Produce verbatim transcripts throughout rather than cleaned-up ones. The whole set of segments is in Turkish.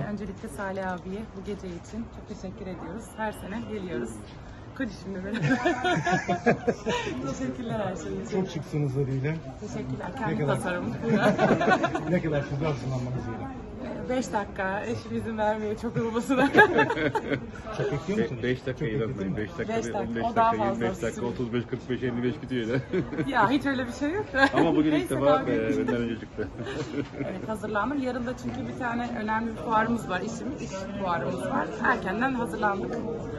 öncelikle Salih abiye bu gece için çok teşekkür ediyoruz. Her sene geliyoruz. Koy şimdi beni. Teşekkürler her şey için. Çok şıksınız haliyle. Teşekkürler. Ne Kendi kadar? tasarım. Ne kadar siz hazırlanmanız gerekiyor? Beş dakika. Eşim izin vermiyor çok olmasına. Çok bekliyor musunuz? beş dakika Çok ilerleyin. bekliyor beş dakika, Beş dakika, on beş o daha dakika, fazla yirmi beş dakika, sürüyor. otuz beş, kırk beş, elli beş bitiyor öyle. Ya hiç öyle bir şey yok. Ama bugün ilk Neyse, defa daha e, büyük. benden önce çıktı. Evet, hazırlandım. Yarın da çünkü bir tane önemli bir fuarımız var. İşim, iş fuarımız var. Erkenden hazırlandık.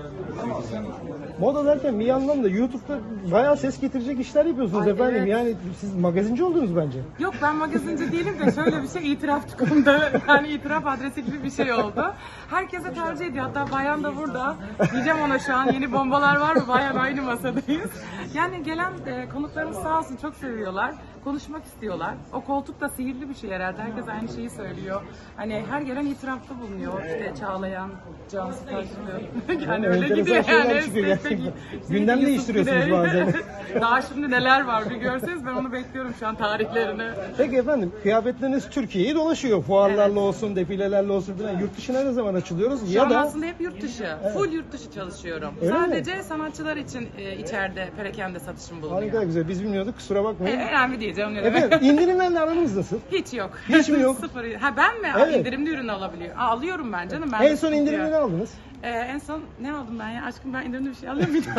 Moda derken bir yandan da YouTube'da bayağı ses getirecek işler yapıyorsunuz Ay, efendim. evet. Yani siz magazinci oldunuz bence. Yok, ben magazinci değilim de şöyle bir şey, itiraf konuda yani itiraf adresi gibi bir şey oldu. Herkese tercih ediyor. Hatta Bayan da burada. Diyeceğim ona şu an yeni bombalar var mı? Bayan aynı masadayız. Yani gelen e, konuklarımız sağ olsun çok seviyorlar. Konuşmak istiyorlar. O koltuk da sihirli bir şey herhalde. Herkes aynı şeyi söylüyor. Hani her gelen itirafta bulunuyor. İşte Çağlayan, Cansu Taşlı. Yani öyle enteresan gidiyor şeyler yani. çıkıyor Peki, gerçekten. peki, Gündem Yusuf değiştiriyorsunuz Güney. bazen. Daha şimdi neler var bir görseniz, ben onu bekliyorum şu an tarihlerini. Peki efendim, kıyafetleriniz Türkiye'yi dolaşıyor. Fuarlarla olsun, defilelerle olsun filan. Yurt dışına ne zaman açılıyoruz? Şu Ya an da aslında hep yurt dışı. Full yurt dışı çalışıyorum. Öyle mi? Sadece sanatçılar için e, içeride perakende satışım bulunuyor. harika güzel. Biz bilmiyorduk. Kusura E, bakmayın. önemli değil canım, ne demek. Efendim, indirimlerle aranız nasıl? Hiç yok. Hiç mi yok? Sıfır. Ha ben mi? Evet. İndirimli ürün alabiliyor. Aa, alıyorum ben canım. Ben En son indirimini aldınız. Ee, en son ne aldım ben ya? Aşkım, ben indirimli bir şey alıyor muydum?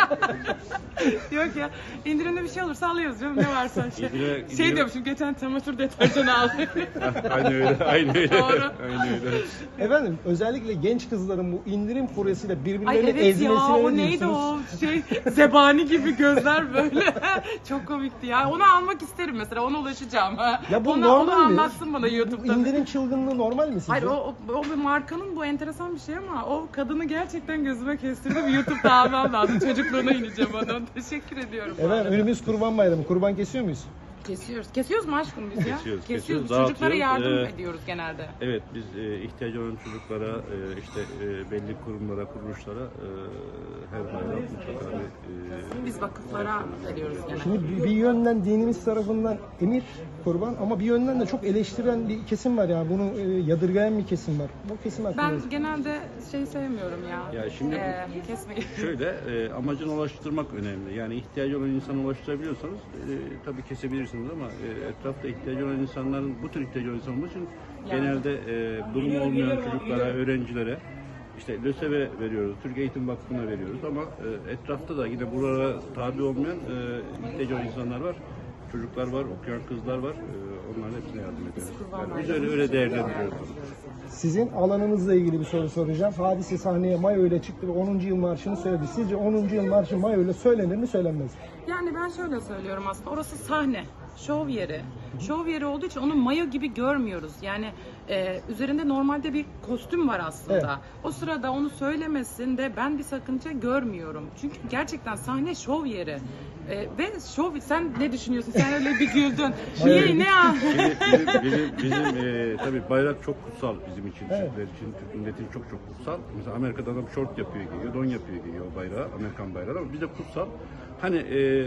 Yok ya. İndirimli bir şey olursa alıyoruz canım. Ne varsa şey. İndire- Şey indirim- diyormuşum, geçen çamaşır deterjanı aldım. aynı öyle, aynı öyle. Doğru. Aynı öyle. Efendim, özellikle genç kızların bu indirim furyasıyla Ay birbirlerini evet ya, ezmesine o ne neydi diyorsunuz? o şey, zebani gibi gözler böyle. Çok komikti ya. Onu almak isterim mesela, ona ulaşacağım. Ya bu ona, normal onu mi? anlatsın bana Bu YouTube'da. indirim çılgınlığı normal mi sizce? Hayır, o, o, o bir markanın, bu enteresan bir şey ama o kadını gerçekten gözüme kestirdim. YouTube'da almam lazım. Çocukluğuna ineceğim onun. Teşekkür ediyorum. bu Efendim, arada. önümüz Kurban Bayramı. Kurban kesiyor muyuz? Kesiyoruz. Kesiyoruz mu aşkım biz ya? Kesiyoruz, Kesiyoruz. kesiyoruz, Çocuklara dağıtıyoruz. yardım Ee, ediyoruz genelde. Evet, biz e, ihtiyacı olan çocuklara, e, işte e, belli kurumlara, kuruluşlara e, her bayram mutlaka bir... E, Biz vakıflara veriyoruz genelde. Şimdi bir, bir yönden dinimiz tarafından emir kurban ama bir yönden de çok eleştiren bir kesim var ya. Bunu e, yadırgayan bir kesim var. Bu kesim hakkında. Ben genelde şey sevmiyorum ya. Ya şimdi- Ee, kesmeyi. Şöyle, e, amacına ulaştırmak önemli. Yani ihtiyacı olan insana ulaştırabiliyorsanız e, tabii kesebilirsiniz ama e, etrafta ihtiyacı olan insanların, bu tür ihtiyacı olan insanlar için genelde e, durumu olmayan çocuklara, öğrencilere işte LÖSEV'e veriyoruz, Türk Eğitim Vakfı'na veriyoruz ama e, etrafta da yine buralara tabi olmayan e, ihtiyacı olan insanlar var. Çocuklar var, okuyan kızlar var. E, onların hepsine yardım ediyoruz. Yani biz öyle, öyle değerlendiriyoruz. Sizin alanınızla ilgili bir soru soracağım. Hadise sahneye Mayo ile çıktı ve onuncu yıl marşını söyledi. Sizce onuncu yıl marşı Mayo ile söylenir mi söylenmez mi? Yani ben şöyle söylüyorum aslında, orası sahne, şov yeri. Şov yeri olduğu için onu mayo gibi görmüyoruz. Yani e, üzerinde normalde bir kostüm var aslında. Evet. O sırada onu söylemesinde ben bir sakınca görmüyorum. Çünkü gerçekten sahne şov yeri. E, ve şov, sen ne düşünüyorsun? Sen öyle bir güldün. Niye, ne an? Şimdi bizim, bizim, bizim e, tabii bayrak çok kutsal bizim için, Evet. Türkler için, Türk milletin çok çok kutsal. Mesela Amerika'da adam şort yapıyor giyiyor, don yapıyor giyiyor o bayrağı, Amerikan bayrağı ama bizde kutsal. Hani e,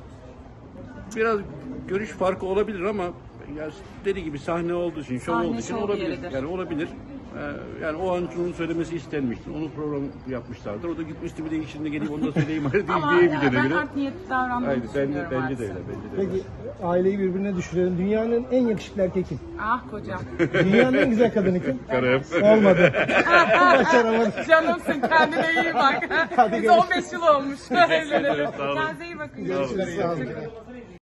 biraz görüş farkı olabilir ama ya dediği gibi sahne olduğu için, şov Sahne olduğu için şov olabilir. yeridir. Yani olabilir. Ee, yani o an onun söylemesi istenmiştir. Onu program yapmışlardır. O da gitmişti bir de içinde gelip onu da söyleyeyim değil Ama diye ya, bir ben göre. art niyetli davrandığımı Aynen, bence, düşünüyorum bence de artık. öyle. Bence de öyle. Peki aileyi birbirine düşürelim. Dünyanın en yakışıklı erkeği kim? Ah kocam. Dünyanın en güzel kadını kim? Karım. Olmadı. Başaramadım. Canımsın, kendine iyi bak. Hadi Biz görüşürüz. on beş yıl olmuş. Evlenelim. Sağ olun. Kendinize iyi bakın. Görüşürüz. Sağ olun.